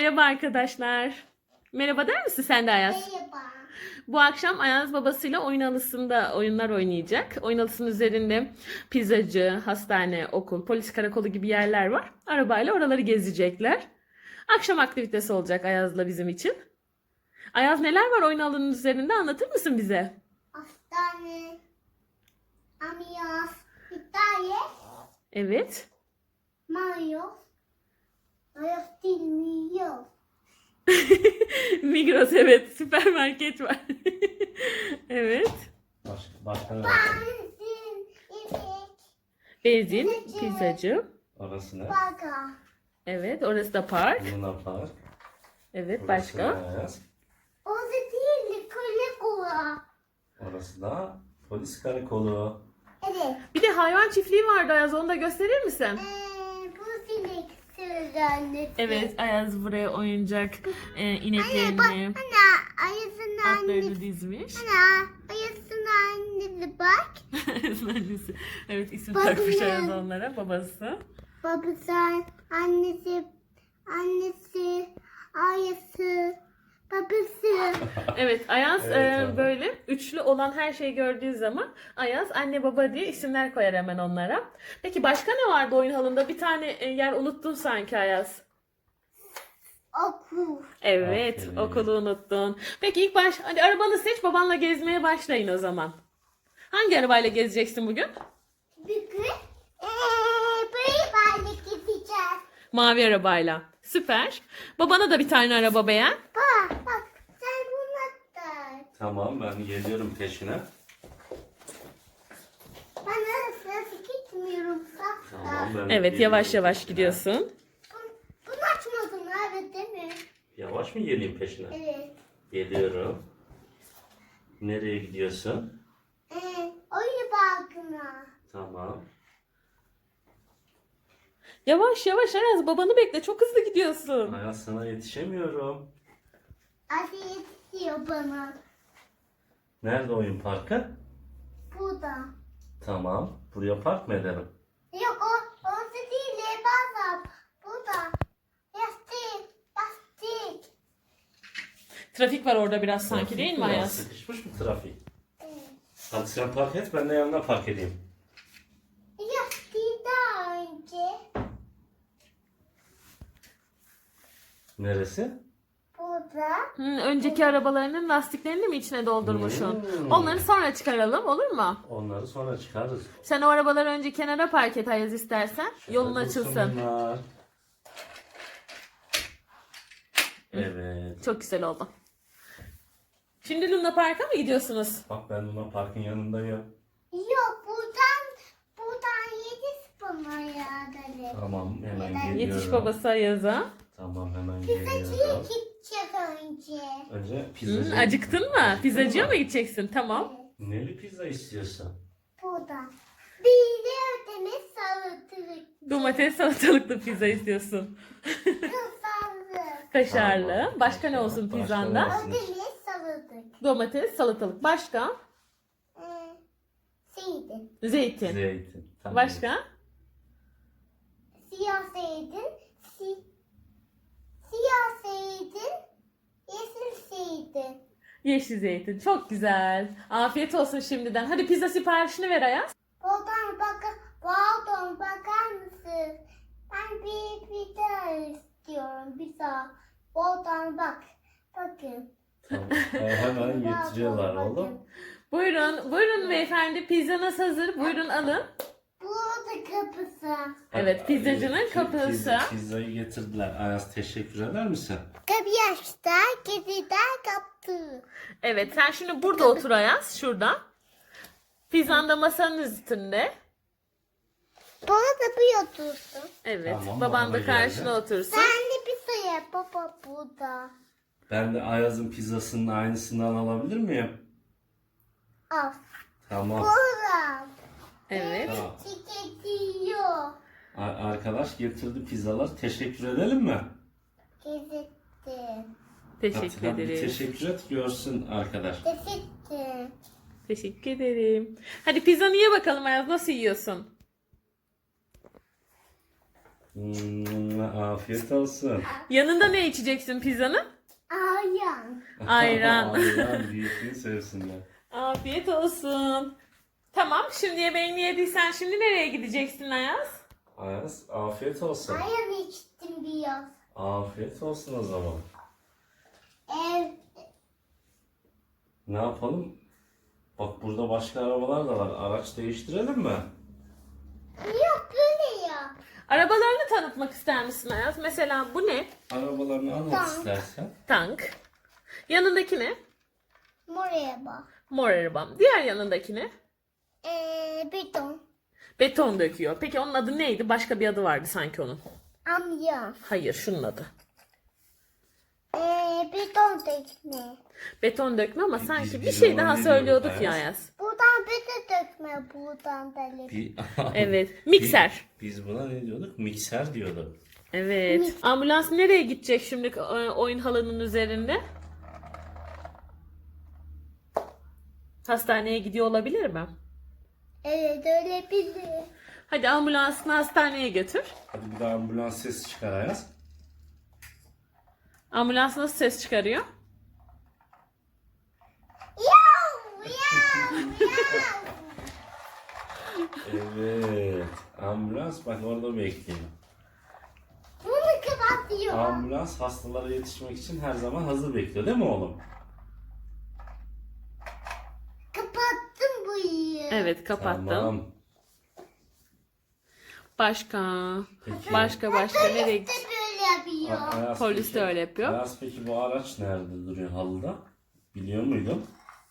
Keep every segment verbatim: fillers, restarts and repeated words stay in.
Merhaba arkadaşlar. Merhaba der misin sen de Ayaz? Merhaba. Bu akşam Ayaz babasıyla oyun halısında oyunlar oynayacak. Oyun halısının üzerinde pizzacı, hastane, okul, polis karakolu gibi yerler var. Arabayla oraları gezecekler. Akşam aktivitesi olacak Ayaz'la bizim için. Ayaz neler var oyun halının üzerinde anlatır mısın bize? Hastane. Amiyas. İtalya. Evet. Mayo. Mayo bilmiyor. Migros evet. Süpermarket var. Evet. Başka, başka ne var? Benzin. İpek. Benzin, Pizzacı. pizzacı. Orası ne? Baga. Evet. Orası da park. Luna Park. Evet. Orası Başka? ne Ayaz? O da değil. Kule kula. Orası da polis karakolu. Evet. Bir de hayvan çiftliği vardı Ayaz. Onu da gösterir misin? Ee, bu sinek sürülenlisi. Evet, Ayaz buraya oyuncak e, Anne bak. ineklerini, Ana. Ayısın atlarını annesi. dizmiş. Ana. Ayısın annesi bak. Annesi. Evet, isim Bakın. takmış Ayaz onlara, babası. Babası, annesi, annesi, ayısı, babası. Evet, Ayaz Evet, e, tamam. böyle üçlü olan her şeyi gördüğü zaman Ayaz anne baba diye isimler koyar hemen onlara. Peki başka ne vardı oyun halında? Bir tane e, yer unuttun sanki Ayaz. Okul. Evet, Aferin. okulu unuttun. Peki ilk baş, hadi arabanı seç, babanla gezmeye başlayın o zaman. Hangi arabayla gezeceksin bugün? Bugün eee böyle böyle gideceğiz. Mavi arabayla. Süper. Babana da bir tane araba beğen. Bak bak sen bunu da. Tamam, ben geliyorum peşine. Bana nasıl gitmiyorum sakla. Tamam, ben Evet, geliyorum yavaş yavaş peşine. gidiyorsun. Bunu açmadın abi değil mi? Yavaş mı geleyim peşine? Evet. Geliyorum. Nereye gidiyorsun? Eee oyun parkına. Tamam. Yavaş yavaş Ayaz, babanı bekle. Çok hızlı gidiyorsun. Ayaz, sana yetişemiyorum. Hadi yetişiyor bana. Nerede oyun parkı? Burada. Tamam. Buraya park mı edelim? Yok o orası değil bazam. Burada. Yastık. Yastık. Trafik var orada biraz sanki Trafik değil mi var, Ayaz? Sıkışmış mı trafik? Evet. Hadi sen park et, ben de yanına park edeyim. Yastığı daha önce. Neresi? Burada. Hı, önceki arabalarının lastiklerini mi içine doldurmuşsun? Hmm. Onları sonra çıkaralım, olur mu? Onları sonra çıkarırız. Sen o arabaları önce kenara park et Ayaz istersen. Yolun Şöyle dursun açılsın. bunlar. Evet. Çok güzel oldu. Şimdi Luna Park'a mı gidiyorsunuz? Bak, ben Luna Park'ın yanındayım. Yok buradan buradan yetiş bana ya. Tamam, hemen Neden? geliyorum. Yetiş babası Ayaz'a. Tamam, hemen Pizzacıya geliyorum. gidecek önce. Önce Hı, pizzacı. acıktın mı? Pizzacıya mı gideceksin? Tamam. Neli pizza istiyorsun? Burada. Bir de ödeme salatalık. Domates salatalıklı pizza istiyorsun. Kısallı. Kaşarlı. Tamam. Başka ne olsun Başka ne pizzanda? olsun? Ödeme salatalık. Domates, salatalık. Başka? Ee, Zeytin. Zeytin. Zeytin. Tamam. Başka? Siyah zeytin. Si siyah zeytin. Yeşil zeytin. Yeşil zeytin. Çok güzel. Afiyet olsun şimdiden. Hadi pizza siparişini ver Ayaz. Buradan bakar, pardon bakar mısın? Ben bir pizza istiyorum. Pizza. Buradan bak. Bakın. Tamam. Ee, hemen getiriyorlar Bakın. oğlum. Buyurun, buyurun beyefendi. Pizzanız hazır. Buyurun alın. Burada kapısı. Evet, pizzacının Pi- kapısı. Pizza, pizzayı getirdiler. Ayaz, teşekkür eder misin? Kapı yaşta kediden kaptı. Evet, sen şimdi burada otur Ayaz. Şurada. Pizzan da masanın üstünde. Bana da bir otursun. Evet, Tamam, baban bana da da karşına geldi. otursun. Sen de pizza yap baba burada. Ben de Ayaz'ın pizzasının aynısından alabilir miyim? Al. Tamam. Burada. Evet. Tamam. Tüketiyor. A- Arkadaş getirdi pizzalar. Teşekkür edelim mi? Gezettim. Teşekkür Hadi, hadi bir ederiz. teşekkür et, görsün arkadaş. Gezettim. Teşekkür ederim. Hadi pizzanı ye bakalım Ayaz. Nasıl yiyorsun? Hmm, afiyet olsun. Yanında ne içeceksin pizzanın? Ayağım. Ayran. Ayran büyüklüğünü sevsinler. Afiyet olsun. Tamam, şimdi yemeğini yediysen şimdi nereye gideceksin Ayaz? Ayaz afiyet olsun. Ayağım içtim biraz. Afiyet olsun o zaman. Ev. Ne yapalım? Bak burada başka arabalar da var. Araç değiştirelim mi? Yok böyle ya. Arabalarını tanıtmak ister misin Ayaz? Mesela bu ne? Arabalarını anlat Tank. istersen. Tank. Yanındaki ne? Buraya bak. Mor arabam. Diğer yanındaki ne? Ee, beton. Beton döküyor. Peki onun adı neydi? Başka bir adı vardı sanki onun. Amca. Hayır, şunun adı. Ee, beton tekne. Beton dökme ama Biz- sanki biz bir şey ona daha ne söylüyorduk diyorduk ya Ayaz? Ayaz. Buradan beton dökme. Buradan da lif. Bir- Evet. Mikser. Biz, biz buna ne diyorduk? Mikser diyorduk. Evet. Ambulans nereye gidecek şimdi e, oyun halının üzerinde? Hastaneye gidiyor olabilir mi? Evet öyle bilir. Hadi ambulansını hastaneye götür. Hadi bir daha ambulans sesi çıkar Ayaz. Ambulans nasıl ses çıkarıyor? Yav yav yav. Evet. Ambulans bak orada bekliyor. Bunu kapatıyor. Ambulans hastalara yetişmek için her zaman hazır bekliyor değil mi oğlum? Kapattım bu iyi. Evet, kapattım. Tamam. Başka. Peki. Başka başka nereye Polis de gidecek? böyle yapıyor. Ayaz Polis peki- de öyle yapıyor. Ayaz peki bu araç nerede duruyor halıda? Biliyor muydun?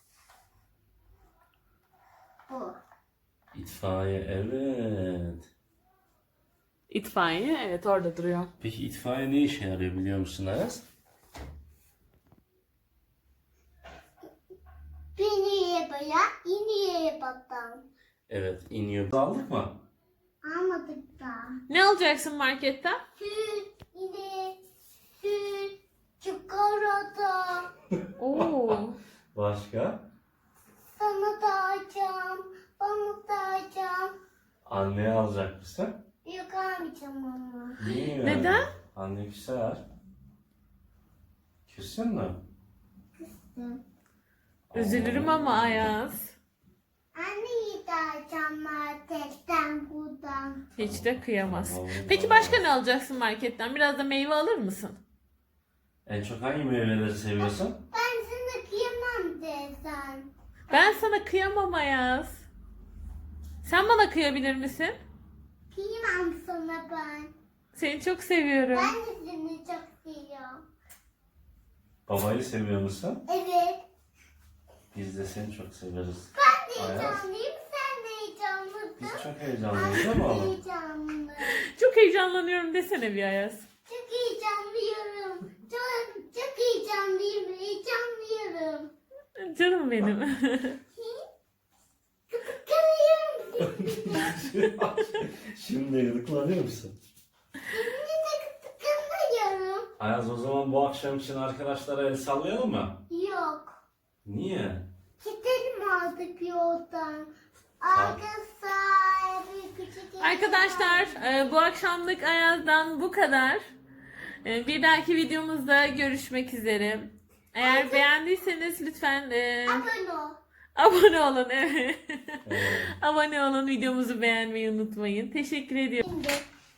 Bu. İtfaiye evet. İtfaiye evet orada duruyor. Peki itfaiye ne işe yarıyor biliyor musun Ayaz? Beni yapaya, yine yapatan. Evet iniyor. Aldık mı? Almadık da. Ne alacaksın marketten? Süt, yine süt, çikolata. Oo. Başka? Sana da alacağım, bana da alacağım. Anneye alacak mısın? Yok almayacağım ama. Niye? Neden? Anne küser. Küssün mü? Hı. Üzülürüm ama Ayaz. Anneyi de alacağım marketten buradan. Hiç de kıyamaz. Allah. Peki başka ne alacaksın marketten? Biraz da meyve alır mısın? En çok hangi meyveleri seviyorsun? Ben sana kıyamam desen. Ben sana kıyamam Ayaz. Sen bana kıyabilir misin? Kıyamam sana ben. Seni çok seviyorum. Ben de seni çok seviyorum. Babayı seviyor musun? Evet. Biz de seni çok severiz. Ben de Ayaz. heyecanlıyım, sen de heyecanlısın. Biz çok heyecanlıyız değil mi oğlum? Heyecanlı. Çok heyecanlanıyorum desene bir Ayaz. Çok heyecanlıyorum. Çok, çok heyecanlıyım, heyecanlıyorum. Canım benim. Kıskanıyorum. Şimdi gıdıklanıyor musun? Seninle de kıskanıyorum. Ayaz o zaman bu akşam için arkadaşlara el sallayalım mı? Yok. Niye? Gidelim artık yoldan. Arka sahibi küçük. Arkadaşlar e, bu akşamlık Ayaz'dan bu kadar. E, Bir dahaki videomuzda görüşmek üzere. Eğer beğendiyseniz lütfen e, Abone ol. abone olun. Evet. Evet. Abone olun, videomuzu beğenmeyi unutmayın. Teşekkür ediyorum. Şimdi.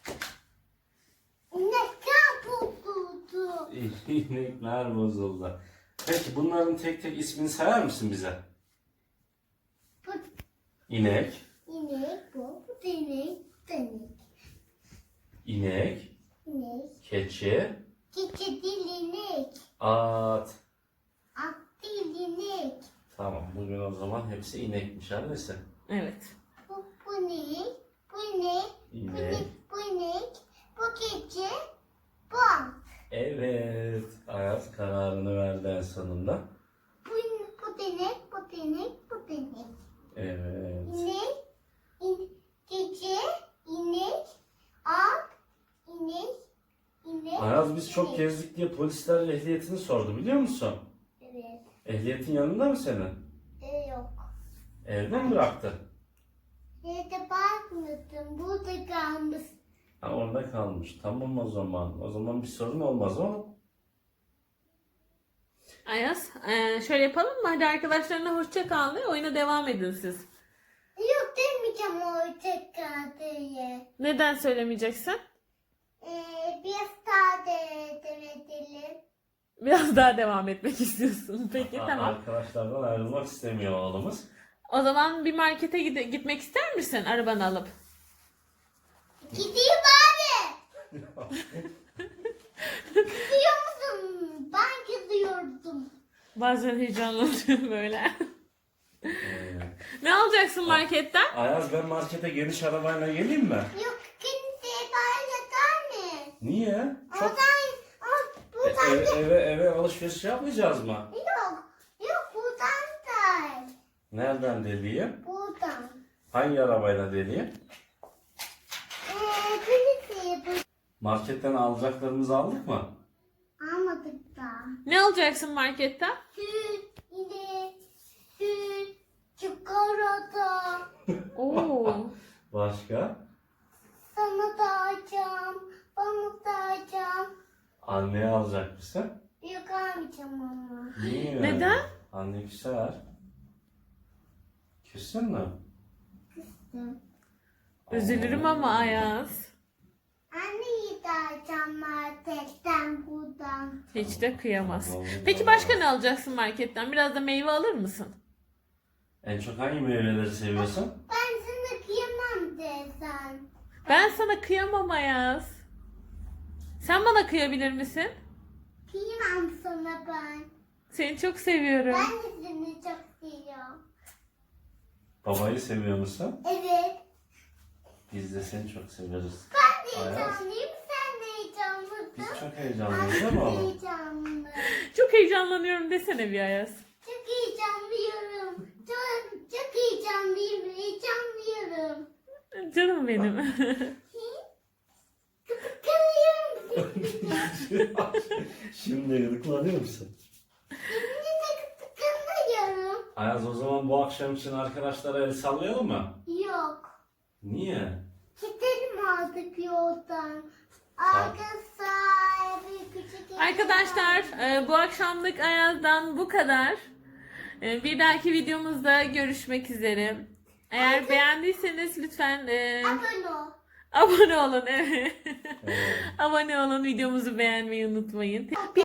Ne kapuldu? İnekler bozuldu. Peki bunların tek tek ismini sayar mısın bize? Bu İnek, inek bu. Bu da inek. Bu da inek. inek, İnek. keçi, Keçi değil inek. at. At değil inek. Tamam bugün o zaman hepsi inekmiş annesi. Evet. Bu, bu inek. Bu inek. Bu İnek. inek. Bu inek. Bu keçi. Bu at. Evet. Ayaz kararını verdi en sonunda. Bu, in- bu da inek. Bu da inek. Bu da inek. Evet. İnek. in- Keçi. İnek. At. İnek. İnek. Ayaz biz çok inek. gezdik diye polisler ehliyetini sordu biliyor musun? Evet. Ehliyetin yanında mı senin? E, yok. Evde mi bıraktın? Evde bakmadım. Burada kalmış. Ha, orada kalmış. Tamam o zaman. O zaman bir sorun olmaz ama. Ayaz, e, şöyle yapalım mı? Hadi arkadaşlarına hoşça kal de oyuna devam edin siz. Yok demeyeceğim o tekrar diye. Neden söylemeyeceksin? Ee, biraz daha de demedelim. Biraz daha devam etmek istiyorsun. Peki Ha, tamam. Arkadaşlardan ayrılmak istemiyor oğlumuz. O zaman bir markete gide- gitmek ister misin arabanı alıp? Gideyim abi. Gidiyor musun? Ben gidiyordum. Bazen heyecanlanıyorum böyle. Ee, Ne alacaksın marketten? Ayaz ben markete geniş arabayla geleyim mi? Yok kimseye bağıracak mı? Niye? Çok Oradan, o, E, buradan eve, eve, eve alışveriş yapmayacağız mı? yok. Yok buradan da. Nereden deliyim? Buradan. Hangi arabayla deliyim? Ee, kimseye bu Marketten alacaklarımızı aldık mı? almadık da. Ne alacaksın marketten? Süt, yine süt, çikolata. Oo. Başka? Sana da alacağım. Bana da alacağım. Anneye alacak mısın? Yok almayacağım ama. Niye? Neden? Anne küser. Küssün mü? Üzülürüm ama Ayaz. Anneyi de alacağım marketten buradan. Hiç de kıyamaz. Vallahi Peki başka ne alacaksın marketten? Biraz da meyve alır mısın? En çok hangi meyveleri seviyorsun? Ben sana kıyamam desen. Ben sana kıyamam Ayaz. Sen bana kıyabilir misin? Kıyamam sana ben. Seni çok seviyorum. Ben de seni çok seviyorum. Babayı seviyor musun? Evet. Biz de seni çok severiz. Ben de Ayaz. heyecanlıyım. Sen de heyecanlısın. Biz çok heyecanlıyız değil mi Ben de oğlum? heyecanlı. Çok heyecanlanıyorum desene bir Ayaz. Çok heyecanlıyım. Çok, çok heyecanlıyım. Heyecanlıyım. Canım benim. Kıskanıyorum. Şimdi gıdıklanıyor musun? Şimdi de kıskanıyorum. Ayaz o zaman bu akşam için arkadaşlara el sallayalım mı? Yok. Niye? Gidelim artık yoldan. Tamam. Arkadaşlar. Bir küçük Arkadaşlar e, bu akşamlık Ayaz'dan bu kadar. E, Bir dahaki videomuzda görüşmek üzere. Eğer beğendiyseniz lütfen e, Abone ol. abone olun. Evet. Evet. Abone olun, videomuzu beğenmeyi unutmayın.